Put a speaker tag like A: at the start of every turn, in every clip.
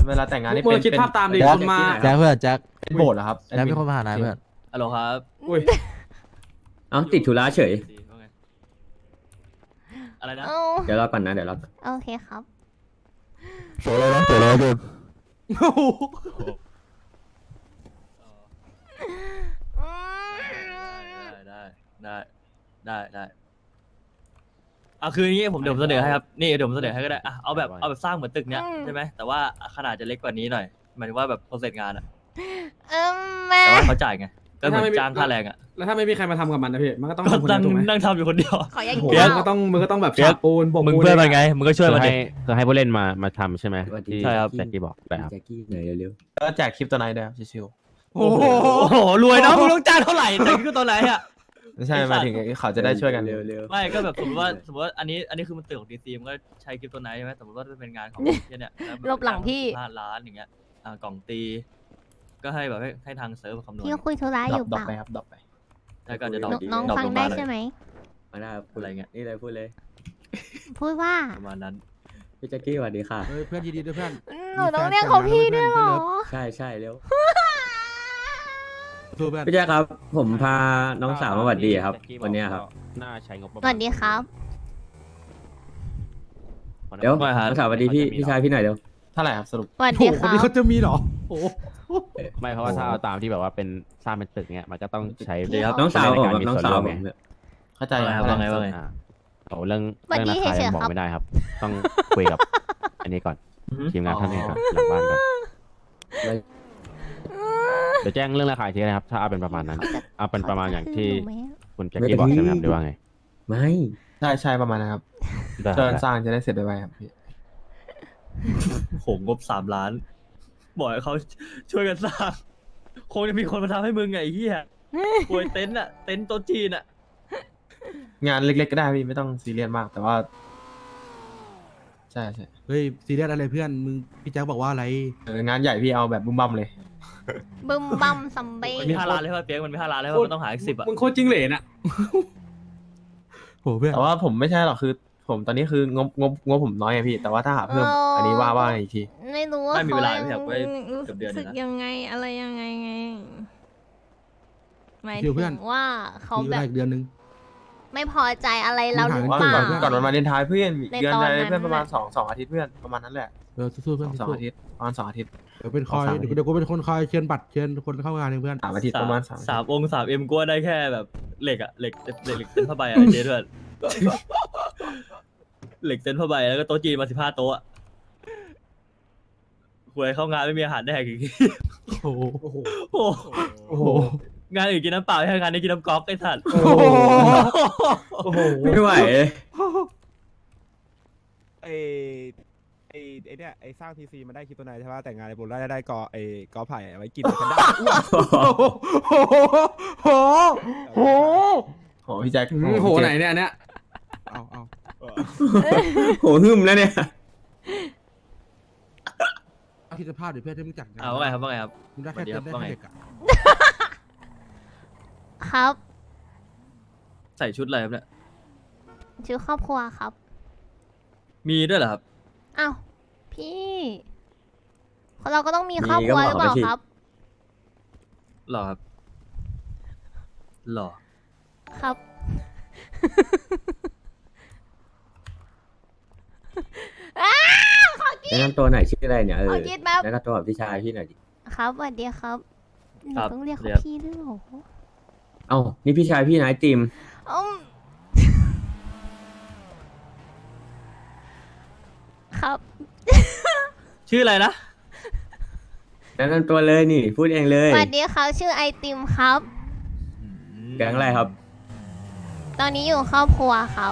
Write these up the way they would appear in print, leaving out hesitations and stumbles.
A: เวลาแต่งงานนี่
B: มึ
A: เป็
B: ง
A: น
B: คิดภาพตามดิคนมา
C: แจ็คเพื่อนแจ็ค
A: เป็นโบสถ์เหรอครับ
C: แจ็คเป็นคนมาหานายเพื่อน
D: ฮัลโหลครับ
B: อุ้ย
E: เอ้าติดธุระเฉย
D: ว่าไงอะไรนะ
F: เอา
E: เดี๋ยวรอก่อนนะเดี๋ยวรอก่อน
F: โอเคครับ
C: เสียเลยนะเสียเลยจุน
B: โอ้โห
D: ได้เอาคืออย่างงี้ผมเดี๋ยวผมเสนอให้ครับนี่เดี๋ยวผมเสนอให้ก็ได้อะเอาแบบสร้างเหมือนตึกเนี้ยใช่ไหมแต่ว่าขนาดจะเล็กกว่านี้หน่อยหมายถึงว่าแบบโปรเซสงานอะ
F: แม่
D: แต่ว่าเขาจ่ายไงก็เหมือนจ้างค่าแรงอะ
B: แล้วถ้าไม่มีใครมาทำกับมันนะพี่มันก็ต้อง
D: ก็
B: ทำคนเดี
D: นั่
B: ย
D: ง
B: วถูกไหม
D: นั่งทำอยู่คนเดียว
F: ขอยัง
B: โอ้โห
F: เดียว
B: มึงก็ต้องแบบฉาบปูนโบก
D: มึง
B: ปูน
D: เพื่อนมันไงมึงก็ช่วยมันดิ
G: คือให้ผู้เล่นมาทำใช่ไหมที่
D: ใช่ครับ
G: แจ็คกี้บอกได้ครับ
E: แจ็คกี้หน่อยเร็ว
A: ก็แจกคลิปตัวไหนด้วยครับชิว
B: โอ้โห
D: โอ้โหรวยเนาะมึงต้องจ้างเท่าไหร่แต่ก็ตัวไหนอะ
A: ๆไม่ใช่หมายถึงเขาจะได้ช่วยกัน
E: เร็วเร็ว
D: ไม่ก็แบบสมมติว่าอันนี้คือมันตึกของดีซีมันก็ใช้คริปโตัวไหนใช่ไหมสมมติว่าจะเป็นงานของเนี่ย
F: หลบหลังพี่
D: 5 ล้านอย่างเงี้ยกล่องตี ก็ให้แบบให้ทางเซิร์ฟคำนวณ
F: พี่คุยธุระอยู่
A: ด
F: เป
A: รอป
F: ล่า
A: ไปครับดรอปไป
D: แล้วก็จะดรอป
F: น้อง
D: ดรอป
F: ฟัง
D: ล
F: ได้
D: มาหน่อย
F: ใช่ไหม
E: มาได้ครับพูด
D: อะไรเงี้ย
E: นี่เลยพูดเลย
F: พูดว่า
D: ประมาณนั้น
E: พี่แจ็คกี้สวัสดีค่ะ
C: เฮ้ยเพื่อนยินดีด้วยเพื่อน
F: หนูต้องเรียกเขาพี่ด้วยเหรอ
E: ใช่ใช่เร็ว
C: สู้เพื่อน
E: พี่แจ็คครับ ผมพาน้องสาวมาสวัสดีครับ วันเนี้ยครับ
G: น่าใช้งบประ
F: ส
G: มาณ
F: วัสดีครับ
E: เดี๋ยวน้องสาวสวัสดีพี่ชายพี่หน่อยเร็ว
A: เท่าไหร่ครับสรุป
F: สวัส
B: โอ้
F: ดี
B: โห
F: ค
B: คน
F: รับ
B: นี้เขาจะมีเหรอโอ้โห
G: ไม่เพราะว่าถ้าเอาตามที่แบบว่าเป็นสร้างเป็นตึกเนี้ยมันก็ต้องใช้
F: เดี๋ยว
E: น้องสาวผม
G: ใน
E: กับ
G: กร
E: น้อง
G: มี
E: สาว
G: ร่วม
E: ผ
G: ไง
E: มเนี่ย
A: เข้าใจ
D: ว่าไง
A: เท่าไหร่
D: ว่าไง
G: เอาเรื่อง
F: สวัสดี
G: ราคา
F: เฉ
G: ยั
F: ย
G: ง
F: ๆ
G: บอก
F: ครับ
G: ไม่ได้ครับ ต้องคุยกับ อันนี้ก่อนทีมงานท่านนี้ก่อนหลังบ้านก่อนเดี๋ยวแจ้งเรื่องราคาอีกทีนะครับ ถ้าเอาเป็นประมาณนั้น เอาเป็นประมาณอย่างที่คุณแจ็คกี้บอกใช่ไหมครับหรือว่าไง
E: ไม่
A: ใช่ประมาณนะครับ
G: ได้
A: เชิญสร้างจะได้เสร็จไวๆครับพี่
D: โหงบ3 ล้านบอกให้เขาช่วยกันสร้างคงจะมีคนมาทำให้มึงไงไอ้เหี้ยป่วยเต็นท์อะเต็นท์โต๊ะจีนอะ
A: งานเล็กๆก็ได้พี่ไม่ต้องซีเรียสมากแต่ว่าใช่
C: เฮ้ยซีเรียสอะไรเพื่อนมึงพี่แจ็คบอกว่าอะไร
A: งานใหญ่พี่เอาแบบบุ้มบั่มเลย
F: บึมบัมซัมเบ้
D: มันมี5 ล้านเลยป่ะเปียกมันมี5 ล้านเลยป่ะมันต้องหาอีก10อะ
B: มึงโคตรจิ้งเหลนอะ
C: โหเพื่อน
A: แต่ว่าผมไม่ใช่หรอกคือ ผมตอนนี้คืองบผมน้อยไงพี่ แต่ว่าถ้าหาเพิ่มอันนี้ว่าอีกที
F: ไม่รู้ว่า
D: ไม่มีเวลาไม่อยาก
F: เขา
D: ไป
F: รู้
D: เกือบเดือน
F: สึก
D: นะ
F: ยังไงอะไรยังไงไงหมาย
C: คิวเพื่
F: ถึ
C: อน
F: งว่าเขา
C: มีเว
F: แบ
C: ลา
F: บ
C: อีกเดือนนึง
F: ไม่พอใจอะไรเราหรือ
A: ว่า
F: เปล่า
A: ก่อนวันวาเลนไทน์เพื่อน
F: ใน
A: เดือน
F: ตอน
A: ใด
F: นั้น
A: เพื่อนประมาณ2 อาทิตย์เพื่อนประมาณนั้นแหละ
C: สู้ๆเพื่อน
A: สอง
C: สู้
A: อาทิตย์ประมาณ2 อาทิตย์
C: เดี๋ยวเป็นคอย
A: สองสาม
C: เดี๋ยวกูเป็นคนคอยเชิญบัตรเชิญคนเข้างานเองเพื่อน
A: 3 อาทิตย์ประมาณ3
D: 3 องค์ 3M กูว่าได้แค่แบบเหล็กอะเหล็กเส้นผ้าใบอะเจ๊ด้วยเหล็กเส้นผ้าใบแล้วก็โต๊ะจีนมา15 โต๊ะอะหวยเข้างานไม่มีอาหารแดกอีก
C: โอ้โห
B: โอ้โห
D: โอ้
B: โอ้โห
D: งานอื่นกินน้ำเปล่าให้งานนี้กินน้ำก๊อกไอ้สัตว์
B: โอ้โหโอ้โห
E: ไม่ไหว
H: ไอเนี่ยไอสร้างทีซีมันได้คริปโตไนท์ใช่ป่ะแต่งงานในโบราณได้กอไผ่เอาไว้กินแพนด้า
B: โอ้โหโอ้โห
A: โอ้พี่แจ็ค
B: โอ้โหไหนเนี่ยอันเนี้ย
H: เอา
E: โหหึมแล้วเนี่ย
C: อาทิตย์ภาพเดี๋ยวเพื่อนให้มึงจัดงาน
D: ว่าไงครับว่าไงครับ
C: มึงได้แค่เต้นได้
D: ว่า
C: แค่
D: ไง
C: เด็กอะ
F: ครับ
D: ใส่ชุดอะไรครับเนี่ย
F: ชื่อครอบครัวครับ
D: มีด้วยเหรอครับ
F: อ้าวพี่เราก็ต้องมีครอบครัวหรือเปล่าครับ
D: หรอครับหรอ
F: ครับ
E: แนะนำตัวหน่อยชื่ออะไรเนี่ย
F: ขอคิดแป๊บ
E: แนะนำตัวกับพี่ชายพี่หน่อยดิ
F: ครับสวัสดีครับหนู
D: ครับ
F: ต้องเรียก
D: เรี
F: เขา
D: ยก
F: พี่ด้วยเหรอ
E: เอ้านี่พี่ชายพี่นายติม
F: อืมครับ
D: ชื่ออะไรนะ
E: แนะนำตัวเลยนี่พูดเองเลย
F: สวัสดีครับชื่อไอติมครับ
E: แก๊งอะไรครับ
F: ตอนนี้อยู่ครอบครัวครับ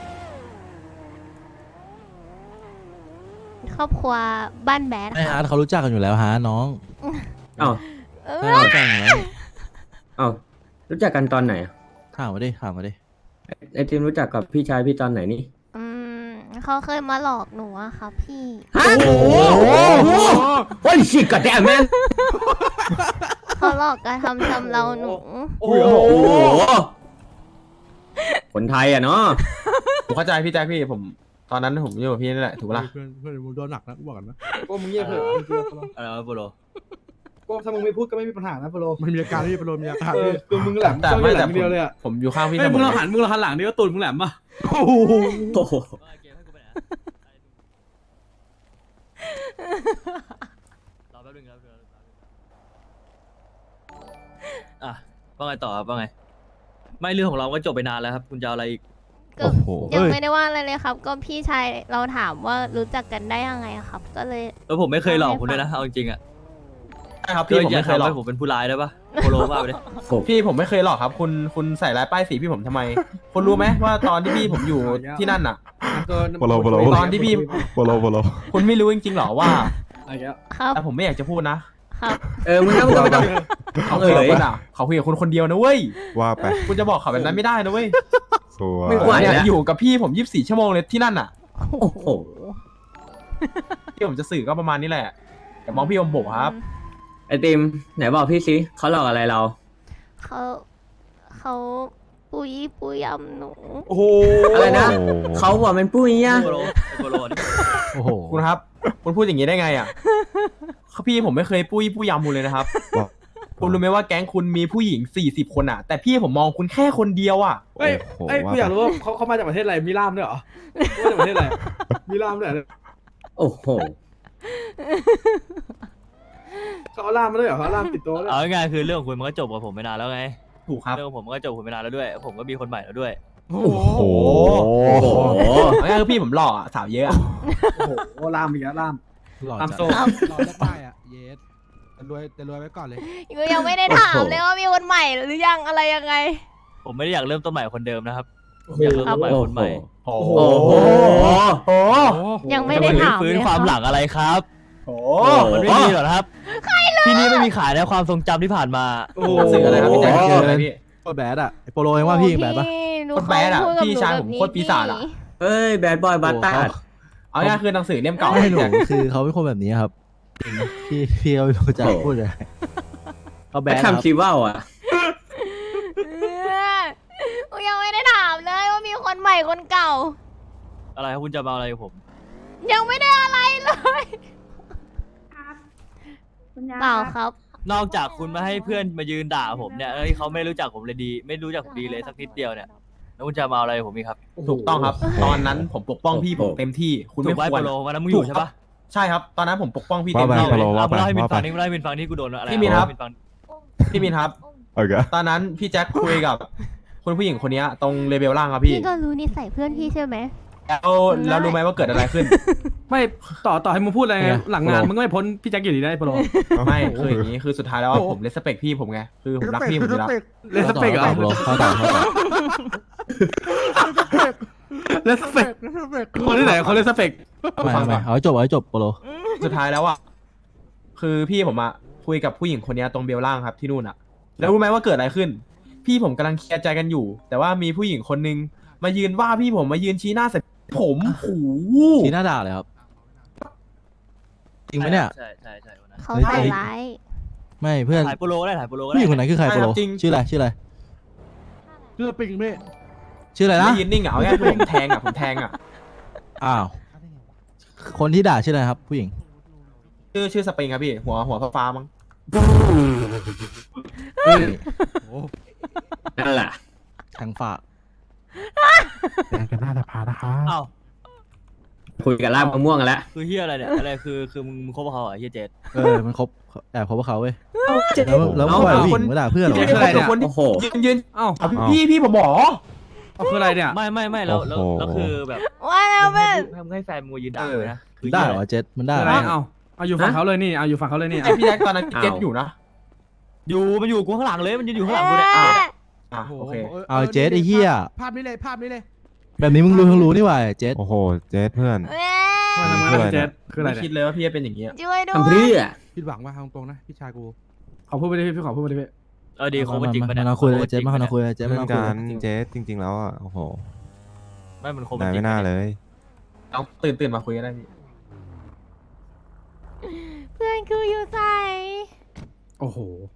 F: ครอบครัวบ้านแบด
C: ไอ้
F: ค
C: ฮา
F: รับ
C: ร์ดเขารู้จักกันอยู่แล้วฮะน้อง
E: เอ้า
F: เอ
C: ใช่
F: อ
C: เขารู้จักกันอยู่แล้ว
E: เอ้ารู้จักกันตอนไหนอะ
C: ถามมาดิถามมาดิ
E: ไอติมรู้จักกับพี่ชายพี่ตอนไหนนี่
F: อืมเขาเคยมาหลอกหนูอะครับพี่
E: ฮะโอ้โหโอ้ยชิกกะแดแมน
F: เขาหลอกกระทำชำเราหนู
E: โอ้โหคนไทยอ่ะเนาะ
A: ผมเข้าใจพี่แจ็คพี่ผมตอนนั้นผมอยู่กับพี่นี่แหละถูกปะล่ะ
B: เพื่อนมึงโดนหนักนะกูบอกกันนะ
H: โก้มึงเงียบเถอะ
D: อะไรวะโปโล
H: โก้ถ้ามึงไม่พูดก็ไม่มีปัญหานะโปโล
B: มันมีอาการที่โปรมีอาการ
H: เอ
B: ที่
H: อคือมึงแหลม
A: แต่
H: จ้อง
A: ไม่
H: แหล
A: แต่
H: มเดียวเลยอ่ะ
A: ผมอยู่ข้างพี่เส
B: เฮ้ย
A: ม
B: มึง
A: อ
B: เราหันหลังดิว่าตูดมึงแหลมป่ะ
E: โอ้โห
D: เกมให้กูไปไหนรอแป๊บนึงครับอ่ะว่าไงต่อครับว่าไง ไม่เรื่องของเราก็จบไปนานแล้วครับ คุณจะเอาอะไรอีก
F: ก็
C: โอ้โห
F: ยังไม่ได้ว่าอะไรเลยครับ ก็พี่ชายเราถามว่ารู้จักกันได้ยังไงอะครับ ก็เลย
D: ผมไม่เคยหลอกคุณด้วยนะเอาจริงๆอ่ะ
A: ใช่ครับพี่ผม
D: อย่า
A: ไม่เคยหลอก
D: ทำให้ผมเป็นผู้ร้ายได้ปะโปโลว่าไปเลย
A: พี่ผมไม่เคยหลอกครับ คุณใส่ร้ายป้ายสีพี่ผมทำไม คุณรู้ไหมว่าตอนที่พี่ผมอยู่ที่นั่นน่ะ
H: โปโล
A: ตอนที่พี่
G: โปโลโปโล
A: คุณไม่รู้จริงๆหรอว่า
H: อะไรเงี้ย
F: ครับ
A: แต่ผมไม่อยากจะพูดนะ
F: ครับ
E: มึงไม่ต้อง
A: เขาคุยกับคุณอ่ะเขาคุยกับคุณคนเดียวนะเว้ย
G: ว่าไป
A: คุณจะบอกเขาแบบนั้นไม่ได้นะเว้ย
G: สวย
E: ไม่ไหว
A: เนี่ย
E: แล้ว
A: อยู่กับพี่ผม24 ชั่วโมงเลยที่นั่นน่ะ
E: โอ้โห
A: ที่ผมจะสื่อก็ประมาณนี้แหละแต่มองพี่อมโบครับ
E: ไอติมไหนบอกพี่สิเขาหลอกอะไรเรา
F: เขาปุยยำหนู
H: โอ้โห
E: อะไรนะ เขาบอกเป็นปุ้ยอ่ะ
D: โปโลโปโลนี่
C: โอ้โห
A: คุณครับ คุณพูดอย่างนี้ได้ไงอ่ะพี่ผมไม่เคยปุ้ยยำคุณเลยนะครับ คุณรู้ไหมว่าแก๊งคุณมีผู้หญิง40 คนอ่ะ แต่พี่ผมมองคุณแค่คนเดียวอ่ะ
H: เอ้ยกูอยากรู้ว่าเขามาจากประเทศอะไรมีล่ามด้วยเหรอมาจากประเทศอะไรมีล่ามด้วยเหรอ
E: โอ้โห
H: เขาเอาล่ามมาด้วยเหรอเขาเอาล่ามติดตัวด้วย
D: เอาง่ายๆคือเรื่องของคุณมันก็จบกับผมไปนานแล้วไง
A: ถูกครับ
D: เรื่องของผมมันก็จบกับผมไปนานแล้วด้วย ผมก็มีคนใหม่แล้วด้วย
B: โอ้โห
G: โอ้โห
E: โอ้โห
A: เอาง่ายๆคือพี่ผมหล่ออะสาวเยอะอะ
H: โอ้โหล่ามอีกแล้วล่าม
B: หล่อ
H: ล่าม
B: จัด
H: โซ่
B: หล่อได้อ่ะเยสแต่รวยไว้ก่อนเลย
F: ก็ยังไม่ได้ถามเลยว่ามีคนใหม่หรือยังอะไรยังไง
D: ผมไม่ได้อยากเริ่มต้นใหม่คนเดิมนะครับอยากเริ่มต้นใหม่คนใหม่
A: โอ้โห
E: โอ้โห
A: โอ้โห
F: ยังไม่ได้ถาม
D: ฟื้น
F: เลย
D: ความ
F: รับ
D: หลังอะไรครับ
A: โอ้
D: มันไม่มีหรอกนะครับที่นี่ไม่มีขายในความทรงจำที่ผ่านมา
H: โอ้โห
A: หนังสืออะไรครับพี่แจ็คหนังสืออะไรพี่
C: โคตรแบดอ่ะไอโปโลเองว่าพี่ยังแบดปะ
F: หนู
A: โคตรแบดอะ
F: เขาพูกับ
A: พี่ชายผม
F: หนู
A: โคตรปีศาจอะ
E: เฮ้ยแบดบอยบัตตาร์ด
A: เอาง่ายๆคือหนังสือเล่มเก่า
C: ไม่หนู
A: พี่แจ็ค
C: คือเขาเป็นคนแบบนี้ครับจริงนะพี่เขาไม่รู้จะพูดอะไรเขาแบ
E: แบ
C: ด
E: ด
C: ครับ
E: ทำชีว่าวอ่ะ
F: หนูยังไม่ได้ถามเลยว่ามีคนใหม่คนเก่า
D: อะไรครับคุณจะมาเอาอะไรกับผม
F: ยังไม่ได้อะไรเลยเปล่าครับ
D: นอกจากคุณมาให้เพื่อนมายืนด่าผมเนี่ยแล้วที่เขาไม่รู้จักผมเลยดี ไม่รู้จักผมดีเลยสักนิดเดียวเนี่ยแล้วคุณจะมาเอาอะไรกับผมอีกครับ
A: ถูกต้องครับ ตอนนั้นผมปกป้องพี่ผมเต็มที่ คุณ
D: ถู
A: ไม่
D: กไว้
A: คว
D: โป
A: ร
D: โลวันนั้นมึงอยู่ใช่ปะ
A: ใช่ครับ ตอนนั้นผมปกป้องพี่
G: ว่า
A: เต็ม
G: ไป
A: ที่
G: โปโล
A: เลย
G: ว่าไป
D: เล่าให้มิน
G: ว่า
D: ฟั
G: ไป
D: งนี่เล่าให้มินฟังนี่กูโดนอะไร
A: พี่มินครับ
D: มินฟัง
A: พี่มินครับ
G: โอเค
A: ตอนนั้นพี่แจ็คคุยกับคุณผู้หญิงคนนี้ตรงเลเวลล่างครับพี่
F: พี่ก็รู้นิสัยเพื่อนพี่ใช่ไหม
A: แล้วรู้ไหมว่าเกิดอะไรขึ้น
H: ไม่ต่อให้มึงพูดอะไรไงหลังงานมึงก็ไม่พ้นพี่แจ็คอยู่ดีนะไอ้โปโล
A: ไม่คืออย่างนี้คือสุดท้ายแล้วอะผมเลสเปคพี่ผมไงคือผมรักพี่ผมอยู่แล้ว
H: เลสเปกเหรอ
C: โปโลเข้าต่อ
H: เลสเปกคนที่ไหนคนเลสเปก
C: ไม่เอาให้จบโปโล
A: สุดท้ายแล้วอ่ะคือพี่ผมอะคุยกับผู้หญิงคนนี้ตรงเบลล่างครับที่นู่นอะแล้วรู้ไหมว่าเกิดอะไรขึ้น พี่ผมกำลังเคลียร์ใจกันอยู่ แต่ว่ามีผู้หญิงคนนึงมายืนว่าพี่ผมมายืนชี้หน้าใส่ผมโอ้โห
C: ทีหน้าด่าเลยครับจริงไหมเนี่ย
D: ใช่ใช่ใช่วันนั้น
F: เขาใส่ร้าย
C: ไม่เพื่อน
D: ถ่ายโปโลก็ได้ถ่ายโปโลก็
C: ผู้ห
D: ได้
C: ญิงคนไหนคือใครโปโลชื่ออะไร
B: เลือดปิงไม่
C: ชื่ออะไรนะ
A: ไม่ยืนนิ่งอะเอาง่ายๆคือผมแทงอะ
C: อ้าวคนที่ด่าชื่ออะไรครับ ผู้หญิง
A: ชื่อสปริงครับพี่หัวฟ้าๆมั้ง
E: นั่นแหละ
C: ทางฝาก
B: แดงกันหน้าสภานะคะ
D: อ้าว
E: คุยกับลาบมะม่วงกันแล้ว
D: คือเฮียอะไรเนี่ยอะไรคือมึงคบกับเขาเหรอเฮียเจด
C: มันคบแอบคบกับเขาเว้ยแล้วปล่อยผู้หญิงมาด่าเพื่อนเหรอ
A: พี่เป็นคนที่
E: โอ้โห
A: ยืน
H: เอ้า
A: พี่ผมบอก
H: เอาคืออะไรเนี่ย
D: ไม่แล้วคือแบบ
F: ว่าแล้วเป็น
D: ทำให้แฟนมึงมายืนด่าเลยนะคือ
C: ได้
D: เหี้ย
C: เหรอเจ็ดมันได้
H: คือ
C: เห
H: อะ
C: ร
H: ไร
C: อ
H: เอาอยู่ฝั่งเขาเลยนี่เอาอยู่ฝั่งเขาเลยนี่
A: ไอพี่แจ็คตอนนั้นเก็ตอยู่นะ
D: มันอยู่กูข้างหลังเลยมันยืนอยู่ข้างหลังกูเนี่ยอ้าว
A: อ่ะโอเค
C: เอาเจ็ดไอ้เหี้ย
B: ภาพนี้เลย
C: แบบนี้มึงรู้นี่หว่าเจ็ด
G: โอ้โห เจสเพื่อน
H: มาทำงานกับเจสคืออะไร
A: ไม่คิ
H: เนี่ย
A: ดเลยว่าพี่จะเป็นอย่างนี้อะ
F: ช่วยด้ว
E: ทำเพื่
F: ย
E: อ
B: ผิดหวังว่าทางตรงนะพี่ชายกู
H: ขอพูดไปดิพี่ขอพูดไปดิพี่
D: ดีคบกันจริงปะเนี่ย
C: มาคุยเจ็ดมาคุยเจ็ด
G: เพื่อ
C: มาน คุ
G: กั
C: ย
G: นเจสจริง ๆ แล้วอ่ะ โอ้โห
D: ไม่มันคบกั
G: นาน ย
D: จริ
G: ไม่
D: ง
G: น่าเลย
A: เอาตื่นมาคุยกันได้พี่
F: เพื่อนคืออยู่ใส่
H: โอ้โห